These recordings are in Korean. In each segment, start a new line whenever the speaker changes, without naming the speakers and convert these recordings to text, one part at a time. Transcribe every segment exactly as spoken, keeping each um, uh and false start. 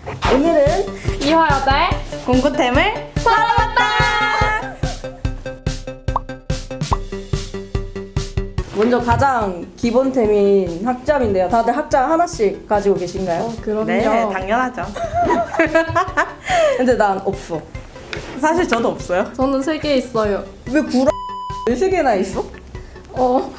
오늘은
이화여대
공구템을 사러 왔다! 먼저 가장 기본템인 학점인데요. 다들 학점 하나씩 가지고 계신가요?
어, 그럼요.
네, 당연하죠.
근데 난 없어.
사실 저도 없어요.
저는 세 개 있어요.
왜 구라 왜 세 개나 있어?
어.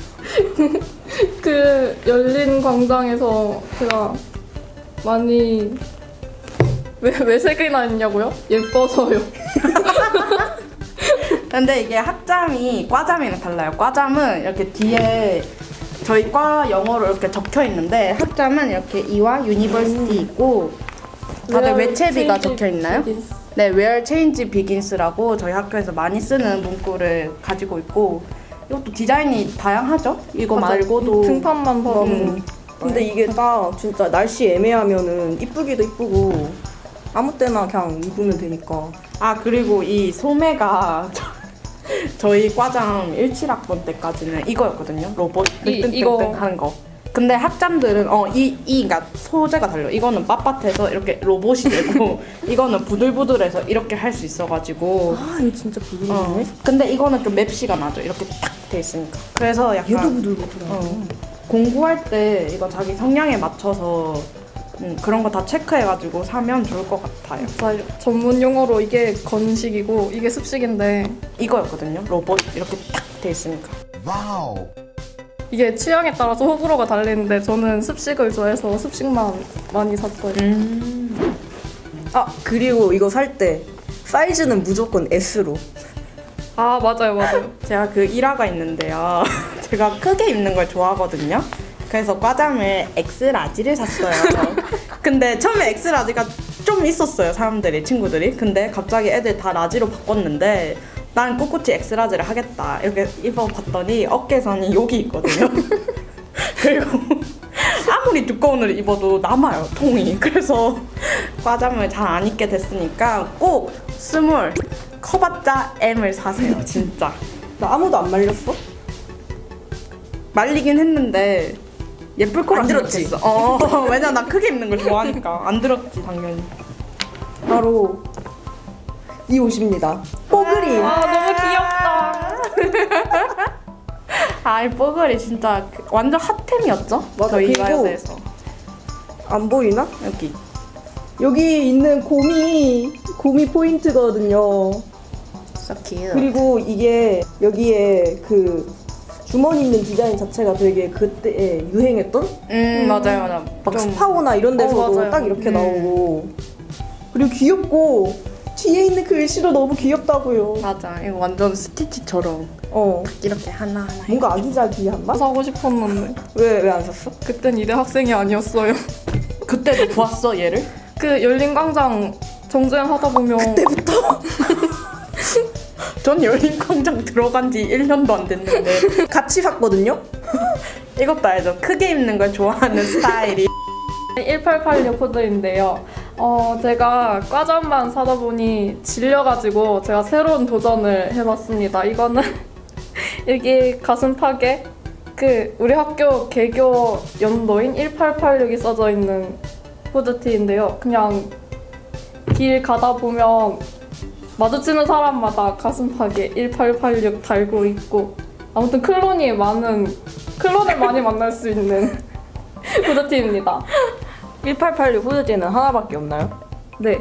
그 열린 광장에서 제가 많이 왜 왜 세 개나 있냐고요? 예뻐서요.
근데 이게 학점이 과점이랑 달라요. 과점은 이렇게 뒤에 저희 과 영어로 이렇게 적혀 있는데 학점은 이렇게 이와 유니버시티 있고 다들
Where
외채비가
change
적혀 있나요?
begins.
네, Where Change Begins라고 저희 학교에서 많이 쓰는 문구를 가지고 있고 이것도 디자인이 다양하죠? 이거
맞아.
말고도
등판만 봐도
음. 근데 이게 딱 진짜 날씨 애매하면은 이쁘기도 이쁘고 아무 때나 그냥 입으면 되니까.
아 그리고 이 소매가 저, 저희 과장 십칠 학번 때까지는 이거였거든요. 로봇
이-
땡땡땡땡
이거.
하는 거. 근데 학점들은 어이 이 그러니까 소재가 달려. 이거는 빳빳해서 이렇게 로봇이 되고 이거는 부들부들해서 이렇게 할 수 있어가지고.
아 이거 진짜 부드럽네.
어. 근데 이거는 좀 맵시가 나죠. 이렇게 딱 돼 있으니까. 그래서 약간
얘도 부들부들하고.
어, 공부할 때 이거 자기 성향에 맞춰서 음, 그런 거 다 체크해가지고 사면 좋을 것 같아요.
맞아요. 전문 용어로 이게 건식이고 이게 습식인데
이거였거든요. 로봇 이렇게 딱 돼 있으니까.
와우.
이게 취향에 따라서 호불호가 달리는데 저는 습식을 좋아해서 습식만 많이 샀어요.
음.
아 그리고 이거 살 때 사이즈는 무조건 S로.
아 맞아요 맞아요.
제가 그 일화가 있는데요. 제가 크게 입는 걸 좋아하거든요. 그래서 과잠을 엑스라지를 샀어요. 근데 처음에 엑스라지가 좀 있었어요. 사람들이, 친구들이. 근데 갑자기 애들 다 라지로 바꿨는데 난 꿋꿋이 엑스라지를 하겠다. 이렇게 입어봤더니 어깨선이 여기 있거든요. 그리고 아무리 두꺼운 옷을 입어도 남아요, 통이. 그래서 과잠을 잘 안 입게 됐으니까 꼭 스몰, 커봤자 M을 사세요, 진짜.
나 아무도 안 말렸어?
말리긴 했는데 예쁠 거라
안 들었지?
생각했어. 어, 왜냐 나 크게 입는 걸 좋아하니까 안 들었지 당연히.
바로 이 옷입니다. 뽀글이.
아 너무 귀엽다.
아, 이 뽀글이 진짜 그- 완전 핫템이었죠?
맞아,
저희
그리고
이화여대에서.
안 보이나?
여기.
여기 있는 곰이 곰이 포인트거든요.
So cute.
그리고 이게 여기에 그 주머니 있는 디자인 자체가 되게 그때 유행했던
음, 맞아요, 맞아.
막
좀-
스파오나 이런 데서도
어, 맞아요.
딱 이렇게
음.
나오고 그리고 귀엽고 뒤에 있는 글씨도 너무 귀엽다고요.
맞아. 이거 완전 스티치처럼
어
이렇게 하나 하나.
뭔가 아기자기한 맛?
사고 싶었는데
왜 왜 안 샀어?
그땐 이대 학생이 아니었어요.
그때도 보았어 얘를?
그 열린 광장 정주행 하다 보면
전 열린광장 들어간 지 일 년도 안 됐는데
같이 샀거든요.
이것도 알죠? 크게 입는 걸 좋아하는 스타일이.
일팔팔육 코드인데요. 어, 제가 과잠만 사다 보니 질려가지고 제가 새로운 도전을 해봤습니다. 이거는 여기 가슴팍에 그 우리 학교 개교 연도인 일팔팔육이 써져 있는 후드티인데요. 그냥 길 가다 보면 마주치는 사람마다 가슴팍에 일팔팔육 달고 있고 아무튼 클론이 많은 클론을 많이 만날 수 있는 후드티입니다.
일팔팔육 후드티는 하나밖에 없나요?
네,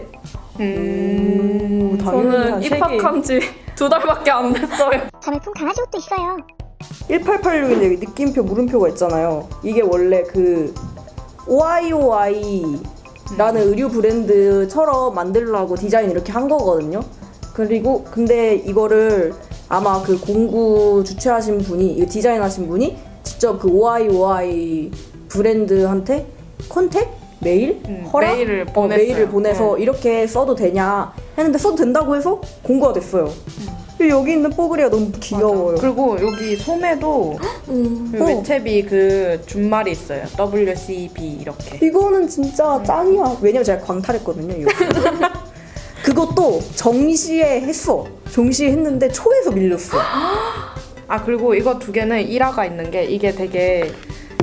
음.
저는 입학한 지 두 달밖에 안 됐어요.
자매품 강아지 옷도 있어요.
일팔팔육인데 여기 느낌표 물음표가 있잖아요. 이게 원래 그 오아이오아이라는 의류 브랜드처럼 만들려고 디자인 이렇게 한 거거든요. 그리고 근데 이거를 아마 그 공구 주최하신 분이 이 디자인하신 분이 직접 그 오아이오아이 브랜드한테 컨택? 메일?
음,
허락?
메일을
어,
보냈어요.
메일을 보내서
네.
이렇게 써도 되냐 했는데 써도 된다고 해서 공구가 됐어요. 근데 여기 있는 뽀글이가 너무 귀여워요.
그리고 여기 소매도
음.
그
어.
외채비 그 준말이 있어요. 더블유 씨 비 이렇게.
이거는 진짜 짱이야. 왜냐면 제가 광탈했거든요. 이거. 그것도 정시에 했어. 정시에 했는데 초에서 밀렸어.
아 그리고 이거 두 개는 일화가 있는 게 이게 되게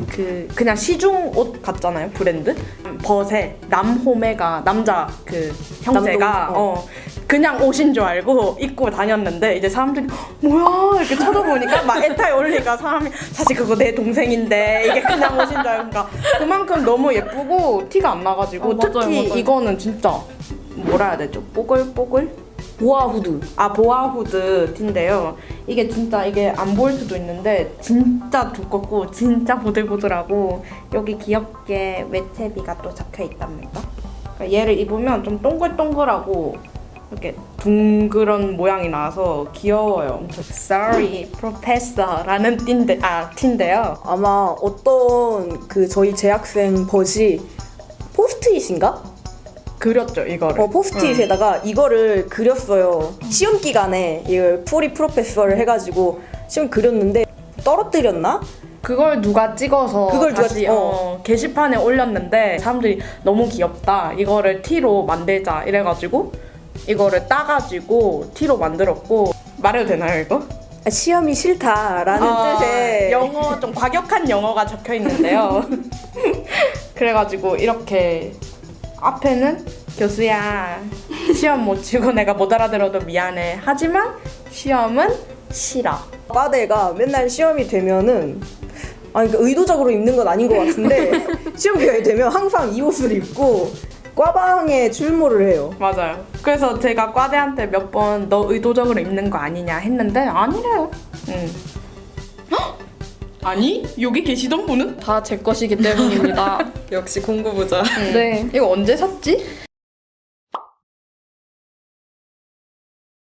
그 그냥 시중 옷 같잖아요, 브랜드. 버세, 남호메가 남자 그 형제가
남동, 어.
어. 그냥 옷인 줄 알고 입고 다녔는데 이제 사람들이 뭐야 이렇게 쳐다보니까 막 에타에 올리니까 사람이 사실 그거 내 동생인데 이게 그냥 옷인 줄 알고 그러니까 그만큼 너무 예쁘고 티가 안 나가지고
어, 맞아요,
특히
맞아요.
이거는 진짜 뭐라 해야 되죠? 뽀글뽀글?
보아 후드.
아 보아 후드 티인데요. 이게 진짜 이게 안 보일 수도 있는데 진짜 두껍고 진짜 보들보들하고 여기 귀엽게 웨체비가 또 적혀 있답니다. 그러니까 얘를 입으면 좀 동글동글하고 이렇게 둥그런 모양이 나서 귀여워요. Sorry, Professor라는 띠인데 아 티인데요.
아마 어떤 그 저희 재학생 벗이 포스트잇인가?
그렸죠 이거를.
어 포스트잇에다가 이거를 그렸어요. 시험 기간에 이걸 프리 프로페서를 해가지고 시험 그렸는데 떨어뜨렸나?
그걸 누가 찍어서
그걸 누가
다시
찍-
어, 게시판에 올렸는데 사람들이 너무 귀엽다. 이거를 티로 만들자 이래가지고 이거를 따가지고 티로 만들었고 말해도 되나요 이거?
아, 시험이 싫다라는
아,
뜻의
영어 좀 과격한 영어가 적혀 있는데요. 그래가지고 이렇게 앞에는 교수야 시험 못 치고 내가 못 알아들어도 미안해. 하지만 시험은 싫어.
과대가 맨날 시험이 되면은 아니 그러니까 의도적으로 입는 건 아닌 것 같은데 시험 기간이 되면 항상 이 옷을 입고 과방에 출몰을 해요.
맞아요. 그래서 제가 과대한테 몇 번 너 의도적으로 입는 거 아니냐 했는데 아니래요. 응. 헉? 아니? 여기 계시던 분은?
다 제 것이기 때문입니다.
역시 공부부자.
네.
이거 언제 샀지?